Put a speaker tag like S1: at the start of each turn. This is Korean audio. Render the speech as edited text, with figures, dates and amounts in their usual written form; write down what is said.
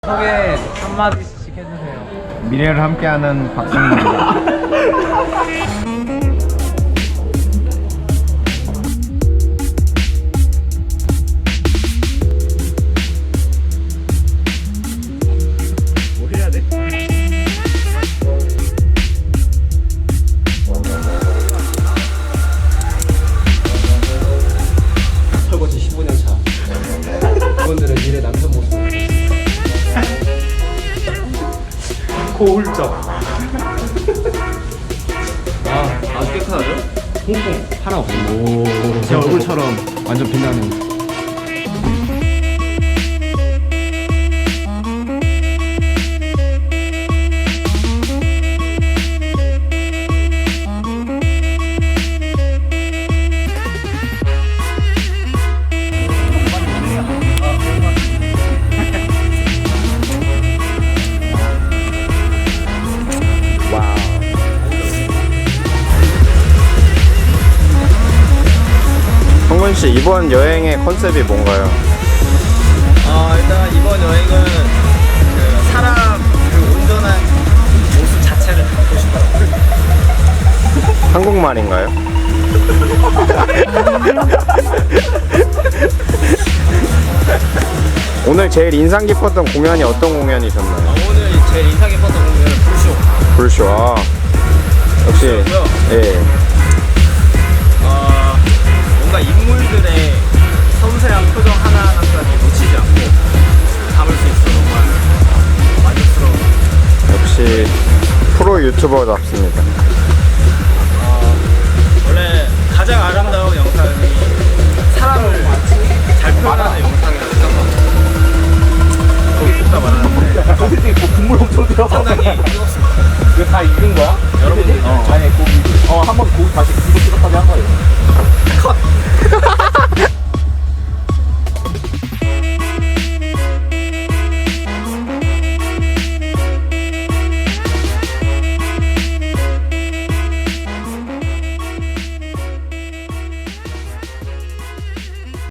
S1: 소개 한마디씩 해주세요.
S2: 미래를 함께하는 박승입니다.
S3: 뭐 해야 돼? 설거지 15년 차. 이분들은 미래 남편 모습. 고울적. 아주 깨끗하죠? 통통 하나 없고. 제 얼굴처럼 완전 빛나는.
S2: 성근씨, 이번 여행의 컨셉이 뭔가요?
S3: 일단 이번 여행은 그 사람 그 온전한 모습 자체를 담고 싶어요.
S2: 한국말인가요? 오늘 제일 인상 깊었던 공연이 어떤 공연이셨나요?
S3: 오늘 제일 인상 깊었던 공연은 불쇼.
S2: 불쇼. 아, 역시.
S3: 불쇼였고요.
S2: 예.
S3: 뭔가 인물들의 섬세한 표정 하나하나까지 놓치지 않고 담을 수 있어 정말 만족스러운.
S2: 역시 프로 유튜버답습니다.
S3: 원래 가장 아름다운 영상이 사람을 잘 표현하는 영상이라고 생각하고 거기 듣다 말하는데 국물 엄청 들어가.